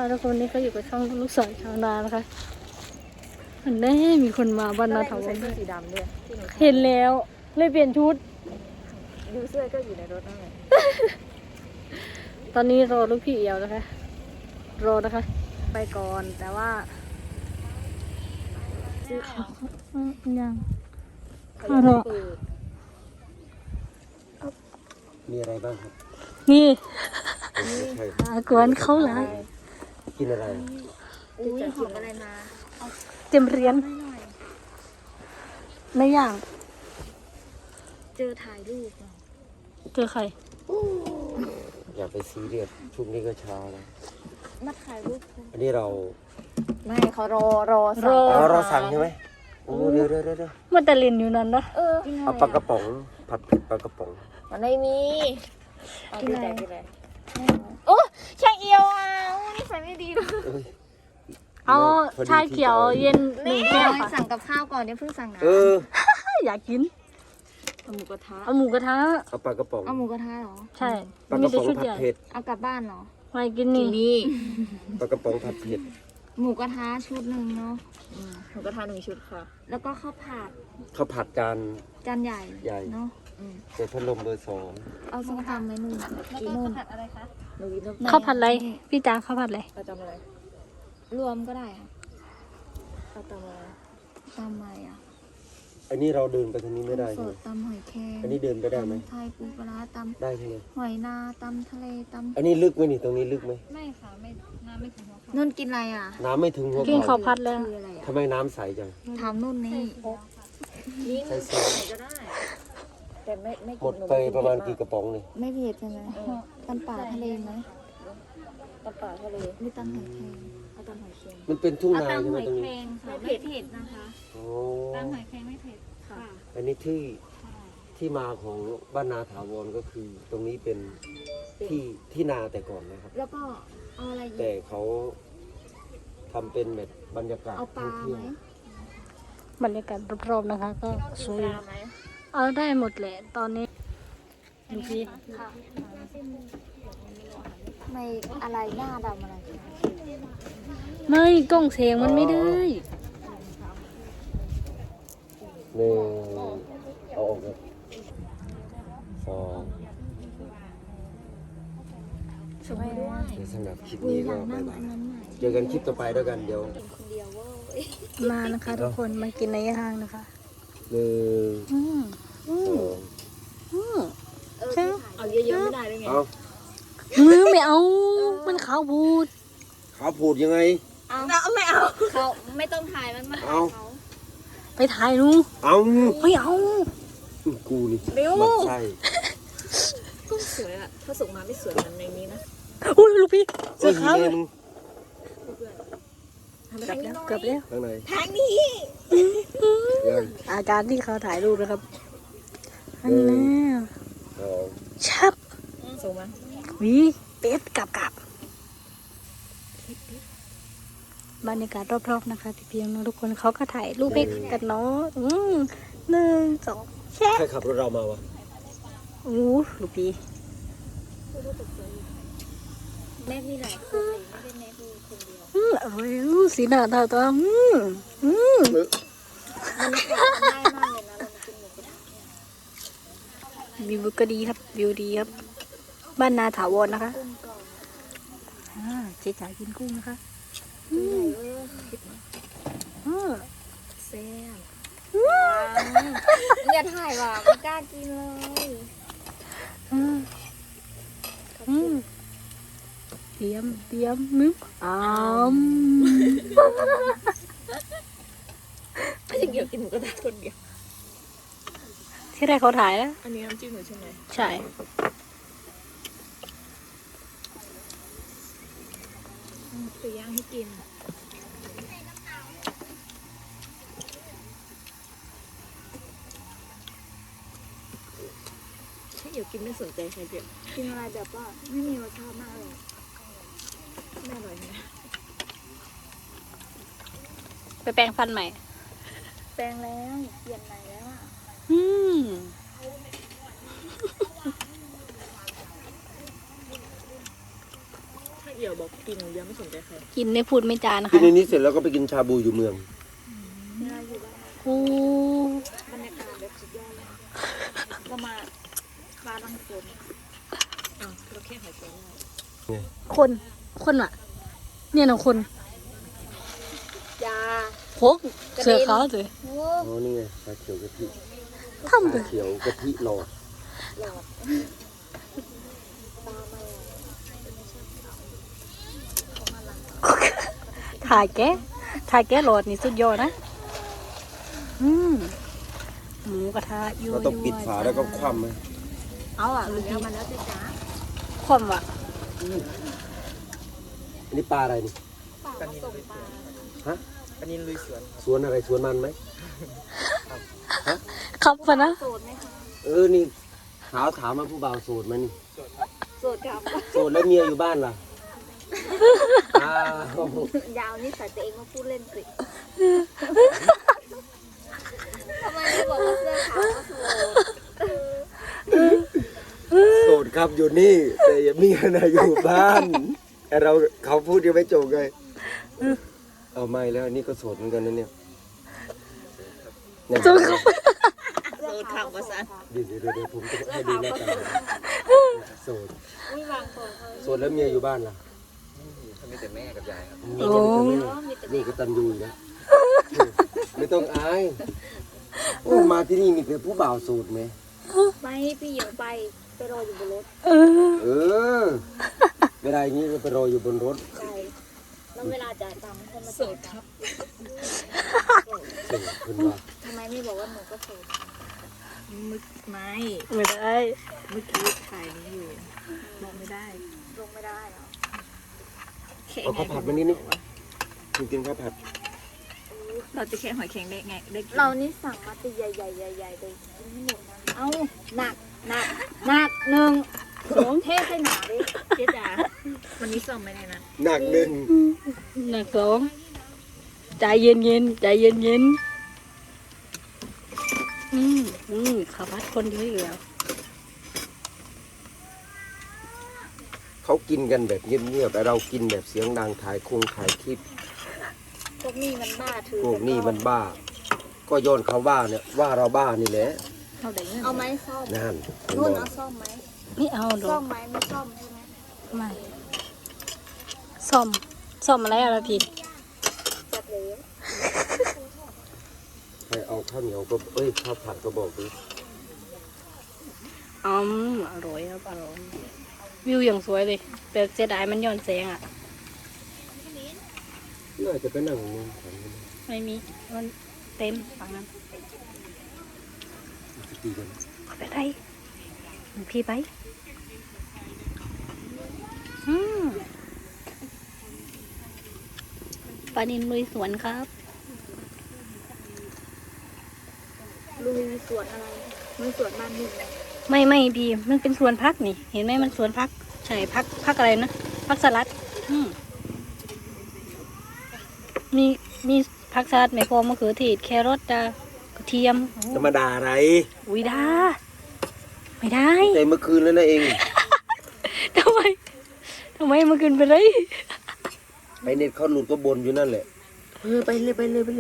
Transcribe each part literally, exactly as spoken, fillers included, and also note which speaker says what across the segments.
Speaker 1: ทุกคนนี้ก็อยู่กับช่องลูกสาวชาวนานะคะอันนี้มีคนมาบ้านนาถาวร
Speaker 2: สีดำด้วย
Speaker 1: เห็นแล้วเลยเปลี่ยนชุด
Speaker 2: ดูเสื้อก็อยู่ในรถนั่นแหละ
Speaker 1: ตอนนี้รอลูกพี่เอียวนะคะรอนะคะ ไปก่อนแต่ว่ายังข้ารอ
Speaker 3: มีอะไรบ้างครับ
Speaker 1: นี่
Speaker 3: ใช่
Speaker 1: อากวนเขาหลาย
Speaker 3: กินอะไร
Speaker 2: อุ้ยหอมอะไรมา
Speaker 1: เต็มเรียนในอย่าง
Speaker 2: เจอถ่ายรูป
Speaker 1: เจอใคร
Speaker 3: อย่าไปซีเรียสช่วงนี้ก็เช้าแล้ว
Speaker 2: มาถ่ายรูป
Speaker 3: อันนี้เรา
Speaker 2: ไม่เขารอรอ
Speaker 1: รอ
Speaker 3: อ๋อเราสั่งใช่ไหมโอ้เดี๋ยวเดี๋ยวเดี๋ยว
Speaker 1: มันแต่ลินอยู่นั่นนะ
Speaker 2: เออ
Speaker 3: เอาปลากระป๋องผัดเผ็ดปลากระป๋อง
Speaker 2: มันไม่มีกินอะไรกินอะไรโอ้ช่างเอียวอ่ะนี่ใส่ไม่ดีเลย
Speaker 3: เอ้ย
Speaker 1: เอาชาเขียวเย็นหนึ่งแก้วค่ะ
Speaker 2: สั่งกับข้าวก่อนเดี๋ยวเพิ่งสั่งนะ
Speaker 3: เออ
Speaker 1: อยากกิน
Speaker 2: เอาหมูกระทะ
Speaker 1: เอาหมูกระทะ
Speaker 3: เอาปลากระป๋อง
Speaker 2: เอาหมูกระทะเหรอ
Speaker 1: ใช่
Speaker 3: ปลา
Speaker 1: มี
Speaker 3: กระ
Speaker 1: แต่
Speaker 3: ป๋อง
Speaker 1: ชุด
Speaker 3: ผั
Speaker 1: ให
Speaker 3: ด
Speaker 1: ญ่
Speaker 3: เผ็ด
Speaker 2: เอากลับบ้านเหรอ
Speaker 1: ไม่กินนี่
Speaker 2: นี่
Speaker 3: ปลากระป๋องผัดเผ็ด
Speaker 2: หมูกระทะชุดหนึ่งเนาะ
Speaker 4: หมูกระทะหนึ่งชุดค่ะ
Speaker 2: แล้วก็ข้าวผัด
Speaker 3: ข้าวผัดจาน
Speaker 2: จานใหญ่
Speaker 3: ใหญ่
Speaker 2: เนาะ
Speaker 3: ใส่พัดลมเบอร์สอง
Speaker 2: เอาส้มตำไหมนุ่นกี่นุ่น
Speaker 4: หนูกินต้ม
Speaker 1: ข้าวผัดอะไรพี่จ๋าข้าวผัดอะไร
Speaker 4: ประจำอะไร
Speaker 2: รวมก็ได้ค่ะ
Speaker 4: ประจำอะไร
Speaker 2: ตำอะไรอ่ะ
Speaker 3: อันนี้เราเดินไปทางนี้ไม่ได้
Speaker 2: ส
Speaker 3: ใช่ไหม
Speaker 2: ดตำหอยแครง
Speaker 3: อันนี้เดินไปได้ไหม
Speaker 2: ตำไทยปูปลาร้าต
Speaker 3: ได้ใช่ไหม
Speaker 2: ำหอยนาตำทะเลต
Speaker 3: อันนี้ลึกไหมนี่ตรงนี้ลึกไหม
Speaker 4: ไม่ค่ะ ไม่น้ำไม่ถึงหัว
Speaker 2: ำนุ่นกินอะไรอ่ะ
Speaker 3: น้ำไม่ถึงหัว
Speaker 1: กินข้า
Speaker 3: เข่าว
Speaker 1: ผัดแล้ว
Speaker 2: คืออะไรอ่ะ
Speaker 3: ทำไมน้ำใสจัง
Speaker 2: ถามนุ่นนี่
Speaker 4: ยิ่ง
Speaker 3: ใส่เสื้
Speaker 4: ไหนก็ได้ แต่ไม่ไม่
Speaker 3: หมดไปประมาณกี่กระป๋องเลย
Speaker 2: ไม่เผ็ดใช่ไหมตำป่าทะเลไหม
Speaker 4: ตำป่าทะเล
Speaker 2: หรือตำหอยแครง
Speaker 4: เอาตำหอยเค็ม
Speaker 3: มันเป็นทุ่ง
Speaker 2: เอา
Speaker 3: นาใช่
Speaker 2: ตำ
Speaker 3: ไห
Speaker 2: ห
Speaker 3: ม
Speaker 2: อย
Speaker 3: ตรง
Speaker 2: แคร
Speaker 3: นี้
Speaker 2: งค่ะไม่เผ็ดนะคะ
Speaker 3: โอ้
Speaker 2: ตำหอยแครงไม่เผ็ดค่ะ
Speaker 3: อันนี้ที่ที่มาของบ้านนาถาวรก็คือ ตรงนี้เป็นที่ที่นาแต่ก่อนนะครับ
Speaker 2: แล้วก็เอาอะไรอีก
Speaker 3: แต่เขาทำเป็นแบบบรรยากาศ
Speaker 2: เอาป
Speaker 3: ท่
Speaker 2: ลา
Speaker 3: องเที่ยว
Speaker 2: ไหม
Speaker 1: บรรยากาศรอบๆนะคะ ก็สวย
Speaker 4: ปลาไหม
Speaker 1: เอาได้หมดแหละตอนนี้ดูสิ
Speaker 2: ไม่อะไรหน้าดำอะไร
Speaker 1: ไม่กล้องเสียงมันไม่ได้
Speaker 3: หนึ่งเอาออกเลยสอง
Speaker 2: สวยด้วย
Speaker 3: ในสำหรับคลิป
Speaker 2: อุ้ย
Speaker 3: นี้
Speaker 2: อ
Speaker 3: ก็
Speaker 2: ยากนั่
Speaker 3: บาง ยบา
Speaker 2: อั
Speaker 3: ย
Speaker 2: นนั้นใหม่
Speaker 3: เจอกันคลิปต่อไปด้วยกันเดี๋ยว
Speaker 2: คนเดียวเว้ย
Speaker 1: มานะคะทุกคนมากินในย่างนะคะ
Speaker 3: หนึ่ง
Speaker 1: อืมอื
Speaker 3: ส
Speaker 1: ม
Speaker 3: อง
Speaker 1: อืม
Speaker 2: เออ
Speaker 1: ใช่
Speaker 4: เอาเยอะๆไม่ได้ด้วยไง
Speaker 3: เอา
Speaker 1: มือไม่เอา มันขาวบูด
Speaker 3: เขาพูดยังไง
Speaker 2: เอาไม่เอาเขาไม่ต้องถ่ายมันมาถ่าย
Speaker 3: เอา
Speaker 2: เขา
Speaker 1: ไปถ่ายหนู
Speaker 3: เอา
Speaker 1: ไม่เอา
Speaker 3: กูนี่
Speaker 2: เร็ว
Speaker 3: มันใช่
Speaker 4: ก็สวยอะถ้าส่งมาไม่สวยเหมือนในนี้นะ
Speaker 1: อุ้ยลูกพี่เสื้
Speaker 3: เอ้
Speaker 1: อย ขาว
Speaker 3: เย็น
Speaker 1: เกือบแล้วเกือบแล้ว
Speaker 3: ข้างใน
Speaker 2: ทางนี้
Speaker 3: ยัง
Speaker 1: อาการที่เขาถ่ายรูปนะครับอันนี้
Speaker 3: สอง
Speaker 1: ชับ
Speaker 4: ส่งมา
Speaker 1: วิเป็ดกลับกลับบรรยากาศรอบๆนะคะพี่เพียงนะทุกคนเขาก็ถ่ายรูปให้กันเนาะอืมหนึ่งสองแชะ
Speaker 3: ใครขับรถเรามาวะ
Speaker 1: อู้ลูกพี่
Speaker 2: แม่มีหลายคนไม่เป็นแม่คือคนเดียว
Speaker 1: อืมอร่อยอู้สีหน้าตาตาอืมอืม
Speaker 2: มันง่ายมากเลยนะเรามากินหมูกระทะเนี่ย
Speaker 1: วิวก็ดีครับวิวดีครับ บ้านนาถาวรนะคะ
Speaker 2: กุ้งกรอบ
Speaker 1: อ่าเจ๊จ๋ากินกุ้งนะคะ
Speaker 2: ตัวใหญ่เว้ย
Speaker 1: อืม
Speaker 2: แซ่บอย่าถ่ายว่ะไม่กล้ากินเลย
Speaker 1: อืมอืมเตรียมเตรียมนึกอ้าม
Speaker 4: ไม่ใช่เกี่ยวกินหมูกระทะคนเดียว
Speaker 1: ที่แรกเขาถ่ายแล้ว
Speaker 4: อันนี้น้ำจิ้มหนูใช่ไหม
Speaker 1: ใช่
Speaker 4: คือย่างให้กินถ้าเดี๋ยวกินไม่สนใจใครเดียว
Speaker 2: กินอะไรแบบว่าไม่มีรสชาติมากเลย
Speaker 4: ไม่อร่อยนะ
Speaker 1: ไปแปรงฟันใหม่
Speaker 2: แปลงแล้วเปลี่ยนใหม่แล้วอ่ะ
Speaker 1: อืม
Speaker 4: ถ้าเดี๋ยวเดี๋ยวบอกกินเยอะไม่สนใจใคร
Speaker 1: กินไม่พูดไม่จานะ
Speaker 3: กิน
Speaker 1: คะ
Speaker 3: ในนี้เสร็จแล้วก็ไปกินชาบูอยู่เมือง
Speaker 1: โอ้
Speaker 2: บรรยากาศแบบสุดยอดเลยก็มาบ้านลังฝน
Speaker 4: อ้าวเราแค่หายใจได้
Speaker 1: คน คนว่ะ เนี่ยนะคน
Speaker 2: ยา
Speaker 1: โคกเสือขาวเลย
Speaker 2: โอ้
Speaker 3: อ๋อนี่ไงชาเขียวกะทิ
Speaker 1: ทำเล
Speaker 3: ชาย เขียวกะทิหลอด
Speaker 2: หลอดตาไม่
Speaker 1: ถ่ายแกะถ่ายแกะโหลดนี่สุดยอดนะ อืมหมูกระทะยั่ว
Speaker 3: เราต้องปิดฝาแล้วก็คว่ำไหม
Speaker 1: เอาอ่ะลูก
Speaker 2: แล้วมันแล้วจะจ้า
Speaker 1: คว่ำอ่ะ
Speaker 3: อันนี้ปลาอะไรนี่
Speaker 2: ป่าผสมปลา
Speaker 3: ฮะ
Speaker 5: ปนินลุยสวน
Speaker 3: สวนอะไรสวนมันไหม
Speaker 1: ครับปะนะ
Speaker 2: โสดไหมคะ
Speaker 3: เออนี่ถามถามมาผู้บ่าวโสดไหมนี่
Speaker 2: โสดครับ
Speaker 3: โสดแล้วเมียอยู่บ้านล่ะอ้าวย
Speaker 2: าวนี่ใส่ตัวเองมาพูดเล่นสิทำไมไม่บอกว่าเสื้อขาวก็โสด
Speaker 3: โสดครับอยู่นี่ แต่เมียน่ะอยู่บ้านแต่เราเขาพูดยังไม่จบไงเอาไม่แล้วอันนี่ก็โสดเหมือนกันนะเนี่ยเนี่ย
Speaker 1: จุ๊ก
Speaker 4: โซนข่าวภาษา
Speaker 3: เดี๋ยวเดี๋ยวเดี๋ยวผมจะให้ดูหน้าตาโสด
Speaker 2: ไม่วางตัวเขา
Speaker 3: โสดแล้วเมียอยู่บ้านล่ะ
Speaker 5: เขามีแต่แม่กับยายครับ
Speaker 3: นี่ก็นี่ก็ตันยูอีกนะไม่ต้องอายโอ้มาที่นี่มีแต่ผู้บ่าวโสดไหม
Speaker 2: ไม่พี่หญิงไปไปรออยู่บนรถ
Speaker 1: เออ
Speaker 3: เออเวลาอย่างนี้ก็ไปรออยู่บนรถ
Speaker 2: ใช่แล้วเวลาจ่ายตังค์คนมา
Speaker 4: โส
Speaker 2: จ่าย
Speaker 4: ดครับ
Speaker 3: โสดเพิ่นว่า
Speaker 2: ทำไมไม่บอกว่าหนูก็โสด
Speaker 4: มึกไม่
Speaker 1: ไม่ได้
Speaker 4: เมื่อกี้ถ่ายนี้อยู่มองไม่ได้
Speaker 2: ลงไม่ได้เหรอ
Speaker 4: แค่
Speaker 3: เอาข้าวผัดมานิดนึงกินกินข้าวผัด
Speaker 4: เราจะแค่หอยแข็งได้ไงได้กิน
Speaker 2: เรานี่สั่งมาตีใหญ่ๆใหญ่ๆเลยกินไม่หมดนะเอ้าหนักหนักหนักหนึ่งสองเทใส่หนาดิ
Speaker 4: เจ๊จ๋าวันนี้ส่งไม่ได้นะ
Speaker 3: หนักหนึ่ง
Speaker 1: หนักสองใจเย็นเย็นๆใจเย็นเย็นๆอืมอืมข้าวผัดคนเยอะอยู่แล้ว
Speaker 3: เขากินกันแบบเงียบๆแต่เรากินแบบเสียงดังถ่ายคงถ่ายคลิป
Speaker 2: พวกนี้มันบ้าถือ
Speaker 3: พวกนี้มันบ้า ก็โยนเขาว่าเนี่ยว่าเราบ้านี่แหละ
Speaker 4: เอาได้เงิน
Speaker 2: เอาไหมซ่อม
Speaker 3: นั่น
Speaker 2: นุ่นเอาซ่อมไหม
Speaker 1: ไม่เอาหร
Speaker 2: ซ่
Speaker 1: อ
Speaker 2: อก มไหมไม่ซ่อมใช่ไหม
Speaker 1: ไม่ซ่อมซ่อมอะไรอะไรพี่
Speaker 2: จัดเลย
Speaker 3: ใครเอาข้าวเหนียวก็เอ้ยข้าวผัดก็บอกดิ
Speaker 1: อืมอร่อยครับอร่อยวิวอย่างสวยเลยแต่เสียดายมันย้อนแสงอ่ะ
Speaker 3: น่าจะไปนั่งนึง
Speaker 1: ไม่มีมันเต็มฝั่งนั้น
Speaker 3: ตีกัน
Speaker 1: ไปได้พี่ไปอืมปลานินลุยสวนครับ
Speaker 2: ลุยสวนอะไรลุยสวนบ้านหนึ่ง
Speaker 1: ไม่ไม่พี่มันเป็นสวนพักนี่ เห็นไหมมันสวนพักใช่พักพักอะไรนะพักสลัด อืมมีมีพักสลัดไม่พอมะเขือเทศแครอทจ้ากระเทียม
Speaker 3: ธรรมดาอะไร
Speaker 1: อุ้ยดาไม่ได้
Speaker 3: แต่เมื่อคืนแล้วนะเอง
Speaker 1: ทำไมทำไมมากินไปเลย
Speaker 3: ไปเน็ตเขาหลุดก็บนอยู่นั่นแหละเออไปเลยไปเลยไปเลย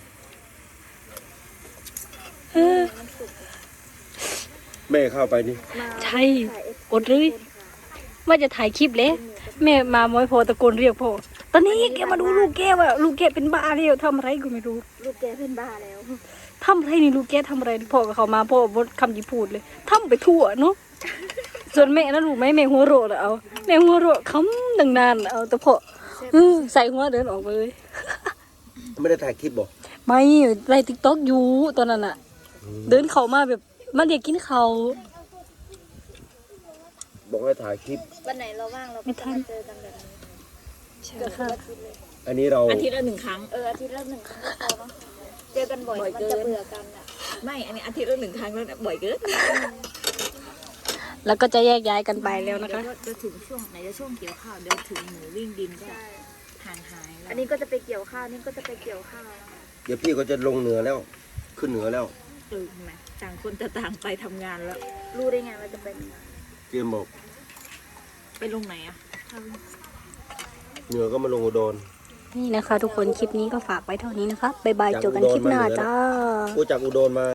Speaker 1: เออ
Speaker 3: แม่เข้าไปนี่
Speaker 2: มา
Speaker 1: ใช่กดเลยว่าจะถ่ายคลิปเลยแม่มามอยพอตะโกนเรียกพ่อตอนนี้แกมาดูลูกแกว่าลูกแกเป็นบ้าแล้วทำอะไรก็ไม่รู้
Speaker 2: ลูกแกเป็นบ้าแล้ว
Speaker 1: ทำอะไรนี่ลูกแกทำอะไรพ่อกับเขามาพ่อบดคำที่พูดเลยทำไปทั่วเนาะส่วนแม่นะลูกไหมแม่หัวโรดเอาแม่หัวโรดคำดังนานเอาแต่พ่อเออใส่หัวเดินออกไปเลย
Speaker 3: ไม่ได้ถ่ายคลิปบอก
Speaker 1: ไม่ไลฟ์ติ๊กต็อกอยู่ตอนนั้นอะเดินเข้ามาแบบมาเรียกกินเขาว
Speaker 3: บอกให้ถ่ายคลิป
Speaker 2: วันไหนเราว่างเราก็จะมาเจอกันแบบนี้เกือบทุกอาทิตย์เลย
Speaker 3: อันนี้เรา
Speaker 4: อาทิตย์ละหนึ่งครั้ง
Speaker 2: เอออาทิตย์ละหนึ่งครั้งก็พอเนาะเจอกันบ่อย
Speaker 4: บ่อย
Speaker 2: มัน
Speaker 4: เกิน
Speaker 2: จะเบื่อกันอ่ะ
Speaker 4: ไม่ อันนี้อาทิตย์ละหนึ่งครั้งแล้วเนี่ยบ่อยเกิน
Speaker 1: แล้วก็จะแยกย้ายกันไปแล้วนะคะ
Speaker 4: เดี๋ยวจะถึงช่วงไหนจะช่วงเกี่ยวข้าวเดี๋ยวถึงหมูวิ่งดินก็
Speaker 2: ใช่
Speaker 4: ห่างหายแล้ว
Speaker 2: อันนี้ก็จะไปเกี่ยวข้าวนี่ก็จะไปเกี่ยวข้าวนะคะ
Speaker 3: เดี๋ยวพี่ก็จะลงเหนือแล้ว ขึ้นเหนือแล้ว
Speaker 4: เออไหมต่างคนจะต่างไปทำงานแล้ว
Speaker 2: รู้ได้ไงว่าจะเป็น
Speaker 3: เตรียมบอก
Speaker 4: ไปลงไหนอะ
Speaker 3: เหนือก็มาลงอุดร
Speaker 1: นี่นะคะ ทุกคนคลิปนี้ก็ฝากไว้เท่านี้นะคะบ๊ายบายเจอกันคลิปหน้าจ้า
Speaker 3: กูจากอุดรมา